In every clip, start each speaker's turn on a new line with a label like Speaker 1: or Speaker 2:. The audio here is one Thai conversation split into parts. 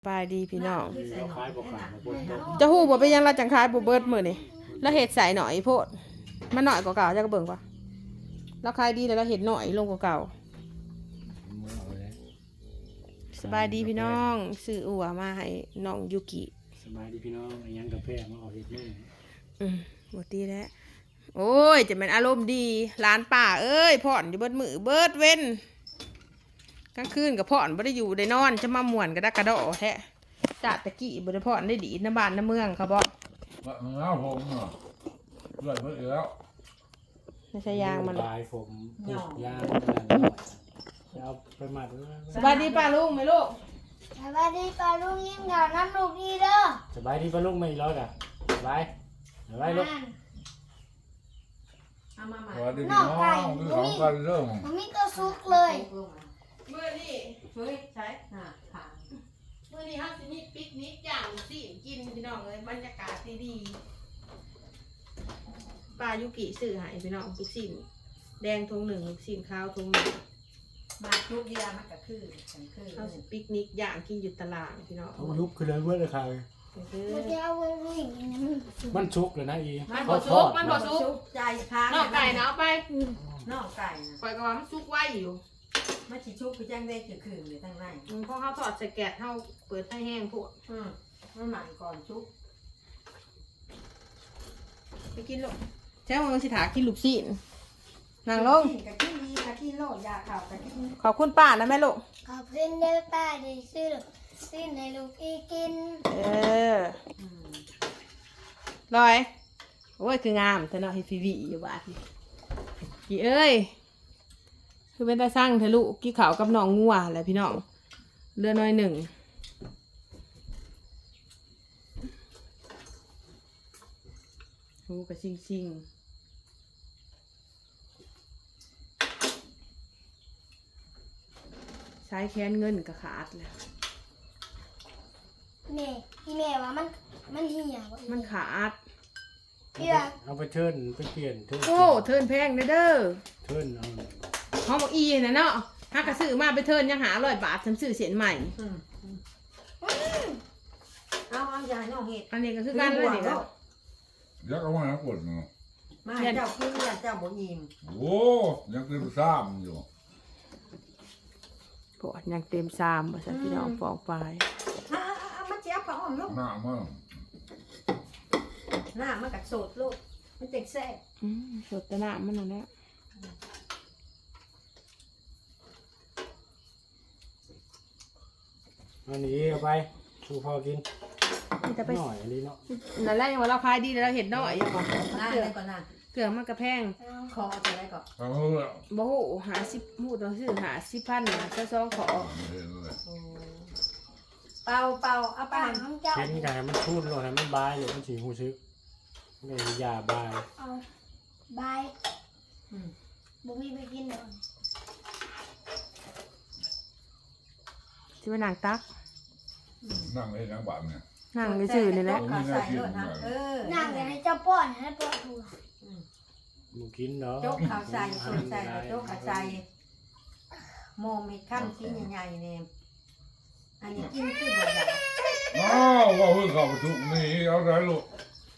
Speaker 1: ปลายดีพี่น้อง
Speaker 2: เราขายบ่ขายมาพุ่น
Speaker 1: จะฮู้บ่เป็นหยังเราจังขายบ่เบิดมื้อนี่แล้วเฮ็ดใส่หน่อยโพดมันน้อยกว่าเก่าจักเบิ่งกว่าเราขายดีแล้วเราเฮ็ดน้อยลงกว่าเก่าสบายดีพี่น้องซื้ออั่วมาให้น้องยูกิ
Speaker 2: สบายดีพี่น้องยังกาแฟมาออกเฮ็ดมื้อ
Speaker 1: บ่ตีแล้วโอ้ยจะเป็นอารมณ์ดีร้านป้าเอ้ยพ่อนอยู่เบิดมื้อเบิดเว้นกลางคืนก็พ่อนบ่ได้อยู่ได้นอนจะมาม่วนกระดักกระดอแท้จ้าตะกี้บ่ได้พ่อนได้ดีน้ำบ้านน้ำเมืองเขาบ่
Speaker 3: ว่ามึงเอาผมเนาะเลือดเพิ่งแล้ว
Speaker 1: ไม่ใช่ยางมัน
Speaker 2: ลายผมยางเอาไปมัด
Speaker 1: สบายดีป้าลุงไหมลูก
Speaker 4: สวัสดีป้าลุงยิ้มเหงาน้ำลูกดีเด้อ
Speaker 2: สบายดีป่ะลูกไม่ร้อยกะสบายลูก
Speaker 1: เอามาใหม่
Speaker 3: สวัสดีพี่น้องคือของกันเรื่อง
Speaker 4: มันมีตัวซุกเลย
Speaker 1: เมื่อนี่เฮ้ยใช่ค่ะเมื่อนี่เขาสิมีปิกนิกอย่างสิกินพี่น้องเลยบรรยากาศดีๆป้ายุกิซื้อให้พี่น้องทุกสิ่งแดงทงหนึ่งสิ่งขาวทงหนึ่ง
Speaker 5: มาทุกอย่างมันก็คือ
Speaker 1: เขาสิปิกนิกอย่างกินอยู่ตลาดพี่น้อง
Speaker 2: เอาลุกขึ้นเลยเว้ยเลยค่ะ
Speaker 4: มันจะเอาไว้วิ่งอย่างนี้
Speaker 2: มันชุกเลยนะอี
Speaker 1: มันบ่ซุกมันบ่ซุก
Speaker 5: ใจค้าง
Speaker 1: นอกไก่นะเอาไป
Speaker 5: นอกไก่นะ
Speaker 1: ปล่อยกระว่ามันซุกไว้อยู่
Speaker 5: มันชิชุกไปแจ้งได้คือคืนเลยทั้งใน
Speaker 1: เพราะเขาทอดใส่แกะเขาเปิดให้แห้งพวก
Speaker 5: มันหมันก่อนชุก
Speaker 1: ไปกินลูกใช่ว่ามันสิถากินลูกชิ้นนางลง
Speaker 5: กับขี้ดีกับขี้โลดยาข่าวกับขี้
Speaker 1: ขอบคุณป้านะแม่ลูก
Speaker 4: ขอบคุณเด้อป้าได้ซื้อในลูกอีกิน
Speaker 1: ลอยโอ้ยคืองามแต่เนาะให้ฟีวีอยู่บ้านกี่เอ้ยคือเป็นตาสร้างเธอลูกกี่เขากับน้องงัวแหละพี่น้องเรือน้อยหนึ่งโอ้กระซิงใช้แค้นเงินกระขาดเลย
Speaker 4: แม่อีแม่ว่ามันเหี่ยว
Speaker 1: มันขาด
Speaker 2: เอาไปเทิร์นไปเปลี่ยนเทิร์น
Speaker 1: โอ้เทิร์นแพงเด้อ
Speaker 2: เทิร์นเอา
Speaker 1: เขาบอกอีนะเนาะถ้ากระซื้อมาไปเทิร์นยังหา100 บาทฉันซื้อเสียนใหม่
Speaker 5: เอายาน้องเห็ด
Speaker 1: อันนี้ก็คือการเลยนี่ก็
Speaker 3: ยักเอามาปวดเนาะ
Speaker 5: มาเจ้าคือเจ้าบ่อิ่ม
Speaker 3: โอ้ยังเต็มซ้ำอยู่
Speaker 1: ปวดยังเต็มซามภาษาพี่น้องฟองไป
Speaker 5: มันเจี๊ยบกับอ่อมลูก
Speaker 3: หน้ามัน
Speaker 5: หน้ามันกัดโสดลูกมันเจ็กแซ่
Speaker 1: สดตะหนามันนั่นแหละ
Speaker 2: อันนี้เอาไปชูพอกิน
Speaker 1: มันจะไป
Speaker 2: หน่อยอันนี้เนาะ
Speaker 1: นั่นแหละยังว่าเราขายดีแล้วเราเห็นน้อยอยู่บ่
Speaker 5: หน้าได้ก่อนหน้า
Speaker 1: เกลือมันกระแพง
Speaker 5: คอจะได้ก่อน
Speaker 3: ทำรู้แล้ว
Speaker 1: บ่ฮู้50ฮู้ต้องซื้อ50,000นะจะซองขอ
Speaker 3: เห็นเลย
Speaker 5: เป่าเอาไป
Speaker 4: ป้าน้องเจ้า
Speaker 2: เช่นนี้ให้มันพูดเลยให้มันบายเลยมันสีหูซึกไม่ยาบาย
Speaker 4: เอาบายบุมีไปกินเดี๋ยว
Speaker 1: สิว่านางตัก
Speaker 3: นั่งเล่นนังบัตรเนี่ย
Speaker 1: นั่งไปซื้อนี่แหละ
Speaker 5: ขาใส่รถนะ
Speaker 4: นั่งเลยให้เจ้าป้อนให้ป้อนหัว
Speaker 2: มึงกินเนาะ
Speaker 5: โจ๊กขาวใส่ส่วนใส่โจ๊กขาวใส่โมมีขั้นที่ใหญ่ๆเนี่ยอันนี้กินคือบ่ได้
Speaker 3: อ้าวว่าเพิ่งเข้าประชุมนี่เอาได้ลูก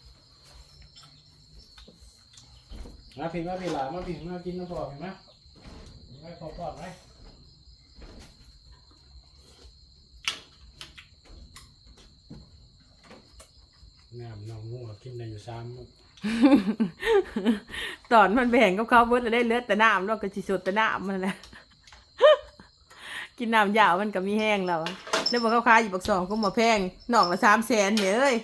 Speaker 2: มาผิดมาผิดหลามาผิดมากินน้ำปลาเห็นไหมไม่พอปลอดไหมน้ำน้องงูกินได้อยู่ซ้ำ
Speaker 1: ตอนมันแบ่งกับเขาเบิดแล้วได้เลือดแต่น้ำแล้วก็สิสดแต่น้ำมันแหละ กินน้ำยาวมันก็มีแห้งแล้วแล้วบอกเขาขายอยู่บัก2ก็มาแพงหนองละ300,000เนี่ยเอ้ย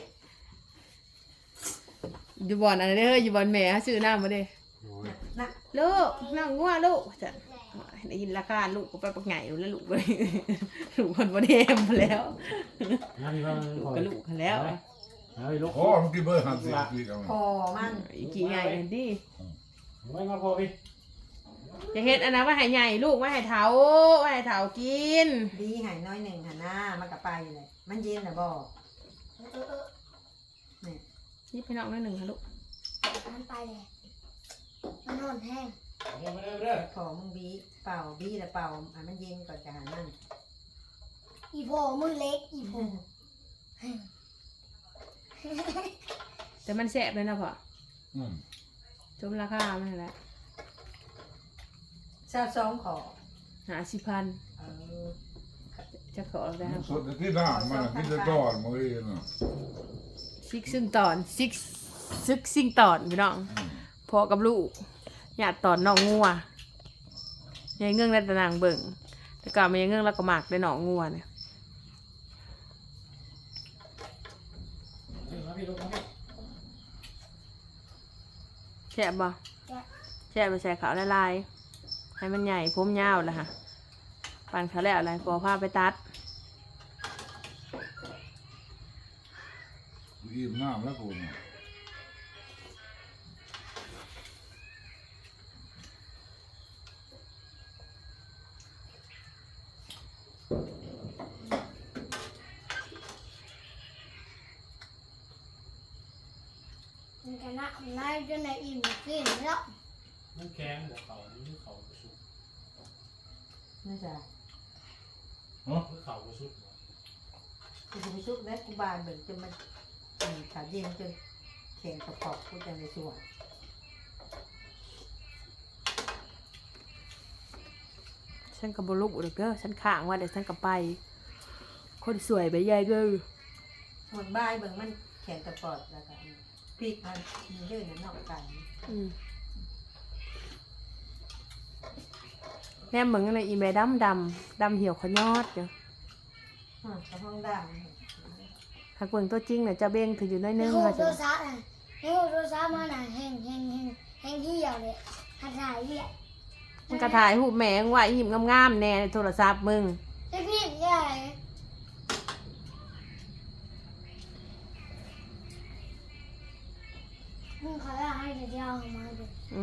Speaker 1: อยู่บ่อนอันนี้เฮ้ยอยู่บ่อนแม่ซื้อน้ำมาเด้
Speaker 5: นะ
Speaker 1: ลูกน้องงัวลูกจ้ะได้ยินราคาลูกก็ไปปักไงแล้วลูกไป ลูกคนบ่ได้เอ็มแล้ว
Speaker 2: น้ำมีบ้าง
Speaker 1: ก็ลูกกันแล้ว
Speaker 2: เอาไปลูก
Speaker 3: โอ้มันกินเบอร์50กินเอา
Speaker 5: พอมัน
Speaker 1: อีกกี่ไงดิ
Speaker 2: ไม่มาพอพี่
Speaker 1: จะเฮ็ดอันนั้นว่าให้ใหญ่ลูกว่าให้เถากิน
Speaker 5: ดีหายน้อยหนึ่งหันหน้ามันกับไปเลยมันเย็นนะบอก
Speaker 1: นี่พี่น้องนิดหนึ่งค่ะลูก
Speaker 4: มันไปเลยมันนอนแห้ง
Speaker 2: มาเด้อ
Speaker 5: ขอมึงบีเป่าบีแล้วเป่ามันเย็นก่อนจะหันนั่น
Speaker 4: อีโพมือเล็กอีโพ
Speaker 1: แต่มันแซ่บเลยนะพ่อ
Speaker 3: อืม
Speaker 1: จมราคามันแหละ
Speaker 5: ซาสองขอ
Speaker 1: 50,000
Speaker 5: เออ
Speaker 1: จะขอได้ค
Speaker 3: มั
Speaker 1: รั
Speaker 3: น
Speaker 1: บ
Speaker 3: สดที่น้ำมันกินจะก่อนมื้อนี้น่ะ
Speaker 1: ซิกซึ่งตอนซิกซึกซิ่งตอนพี่น้อง
Speaker 3: อืม
Speaker 1: พ่อกับลูกญาติตอนน้องงัวยายเงื่องได้แต่นางเบิ่งแต่ก่อนมันยายเงื่องแล้วก็หมักได้หนองงัวเนี่ย
Speaker 2: มาพี่ลูกมาพี่
Speaker 1: แช่บบ่แช่บไปใส่ขาวละลายให้มันใหญ่ผมยาวแล้วค่ะปั่นเขาแล้วอะไรพอผ้าไปตัด
Speaker 3: อิ่มน้ำแล้วกูน่ะ
Speaker 4: มันคณะของนายจนในอิ่มกินแล้ว
Speaker 2: น้ำแข็งหัวเขานี่เขากระสุด
Speaker 5: นี่จ้ะ
Speaker 2: เขากระสุด
Speaker 5: กูจะไปซุกได้กูบานเบิ่งจนมันขาเย็นจนแข็งกระปอกกูจะในสวน
Speaker 1: ฉันกับบลูกเด้อฉันข้างว่าเดี๋ยวฉันก็ไป คนสวยไปยายเด้อ
Speaker 5: หมดบ่ายเบิ่งมันแข็งกระปอกแล้วก็พริกมันมีเยอะนะนอกกัน
Speaker 1: แนมเหมือนอะไรอีเมดำเหี่ยวขยอดอยู่
Speaker 5: กระห้องด่าง
Speaker 1: หากเบิ่งตัวจริงเนี่ยจะเบ่งถืออยู่น้อย
Speaker 4: ใน
Speaker 1: นึง
Speaker 4: หู
Speaker 1: ค่ะ
Speaker 4: โท
Speaker 1: จ้ะ
Speaker 4: รศัพท์น่ะในหูโทรศัพท์มันน่ะแห้งเหี่ยวเลยหัดถ่ายเนี่ย
Speaker 1: มันก็ถ่ายรูปแม่งไว้หิมงามๆแน่ในโทรศัพท์มึง
Speaker 4: ไอ้พี่ใหญ่มึงขอให้เดี๋ยวเอามาดู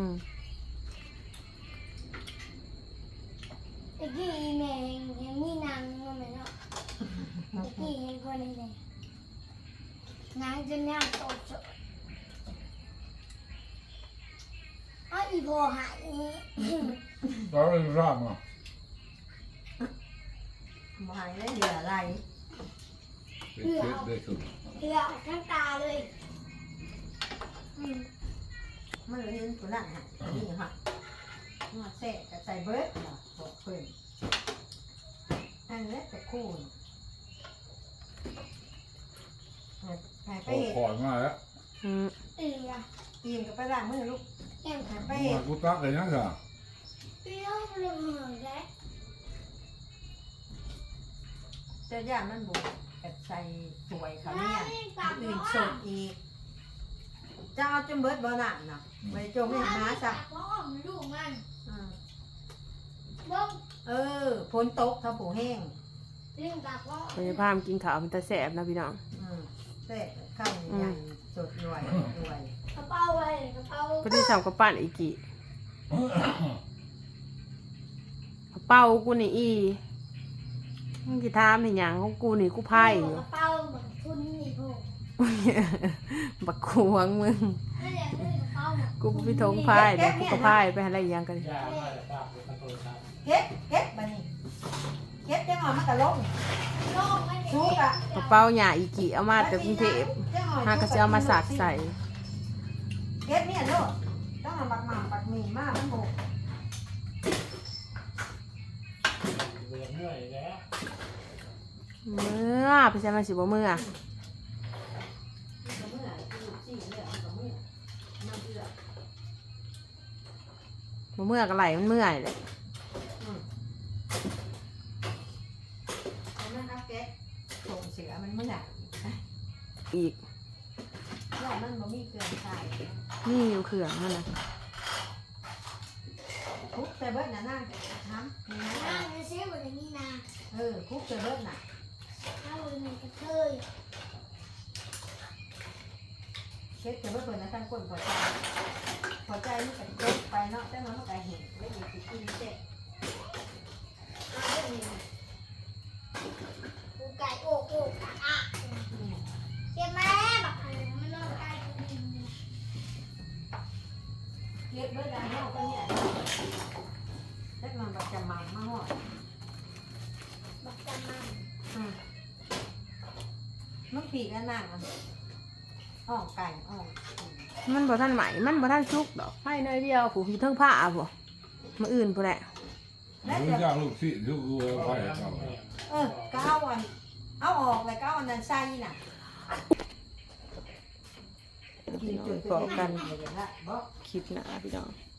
Speaker 4: ตะกี้แม่ยังมีนางมาไหมเนาะตะกี้เห็นคนนี้เลยนางจะน่าโตโตอ้าวอีโบหาย
Speaker 3: เราเองร่างอ่ะ
Speaker 5: หมายแล้วเหลืออะไร
Speaker 3: เป็นเช็ดได้สุด
Speaker 4: เหลือทั้งตาเลยอืม
Speaker 5: มันเลยเห็นตัวหลังหันนี่ฮะมาเสะกับใส่เบิร์ดบอกเพิ่นอันนี้แต่คู่หายไป
Speaker 3: โอ้
Speaker 5: เห็น
Speaker 3: ขอนมาแล้ว
Speaker 4: เอีย
Speaker 5: ตีมกับไปล้างมือลูก
Speaker 4: แก้ม
Speaker 5: หายไป
Speaker 3: มา
Speaker 5: เห็น
Speaker 3: กูตักเลยยังไง
Speaker 4: เปรี้ยวเลยเหมือนแก
Speaker 5: เจ้าย่ามันบุกกับใส่สวยเขาเนี่ยอื่นสดอีกจะเอาจนเบิร์ดบ่หนักนะไปจมให้หมาจ้ะ
Speaker 4: เพราะมันลูกมัน
Speaker 5: อืม
Speaker 4: บ้ง
Speaker 5: ฝนตกถ้าผูแห้ง
Speaker 4: เรื่องกับว่า
Speaker 1: พยาพามกินข้าวมันจะแสบนะพี่น้อง
Speaker 5: เสะข้าวใหญ่สดรวยรวย
Speaker 4: กระเป๋าไว้กระเป๋า
Speaker 1: ก็ที่ทำกับปั้นอีกี่เป้ากูนี่อีมึงจะทำในอย่างของกูนี่กูไพ่อยู่
Speaker 4: กระเป๋าเหมือนทุนนี่พวก
Speaker 1: บักขวงมึง
Speaker 4: นั่นแหละคือกระเป๋าน่ะ
Speaker 1: กูไปทงไพ่เดี๋ยวกูก็ไพ่ไปอะไรอย่างกัน
Speaker 2: ยาไม่ได้ป้าเป็นโทรศัพท์
Speaker 5: เฮ็ดบัดนี้เฮ็ดจังหวะมันก็ลง
Speaker 4: โลกไม่ได้
Speaker 5: ซุกอ่ะ
Speaker 1: กระเป๋าหยาอีกี่เอามาจากกรุงเทพหากระจะเอามาสักใส่
Speaker 5: เฮ็ดเนี่ยโลดต้องเอาบักหม่ำบักหมี่มามันบุก
Speaker 2: เบื่อเมื่อยแล้ว
Speaker 1: เมื่อไปใช้มาสิบ่เมื่อ
Speaker 5: ก็เมื่อลูกสี่เนี่ยก็เมื่อน้ำเดือด
Speaker 1: บ่เมื่อก็ไหลมันเมื่อยเลย
Speaker 5: เอามันเอาแก๊สส่งเสือมันเมื่อ
Speaker 1: อีก
Speaker 5: แล้วมันบ่มีเครื่องใส่
Speaker 1: นี่อยู่เขื่องนั่นนะ
Speaker 5: คุกใส่เบิดน่ะนั่งทำนี่
Speaker 4: นา
Speaker 5: นะ
Speaker 4: งเสียบนนี้นา
Speaker 5: คุกใส่เบิดน่ะ
Speaker 4: ถ้าบนนี้กระเทย
Speaker 5: เช็ดใส่เบิดเพิ่นนะทั้งก้นพอใจมันก็จบไปเนาะแต่มันก็เห็นแล้วอยู่สิกินเสร็จ
Speaker 4: กูไก่โอ้โอ้กะอ่ะเจ็บไหมแบบมันนอนไก่กูดิน
Speaker 5: เก็บเบิดได้เนาะก็เนี่ยแล้วมันก็จะมาหอด
Speaker 4: บอกจำมัน
Speaker 5: อืมมันผีกันนั่งอ่องไก่อ่อง
Speaker 1: มันบ่ทันไหมมันบ่ทันสุกดอกให้หน่อยเดียวผู้ที่เทิงผ้าบ่มาอื่นผู้แหละ
Speaker 3: มึงจ้างลูกศิษย์ลูกวัวไปเขา
Speaker 5: ก็เอาออกเลยก็เอาอันนั้นใส่น่ะกินจุด
Speaker 1: พอกัน
Speaker 5: เลยนะบ่
Speaker 1: คลิปหน้าพี่น้อง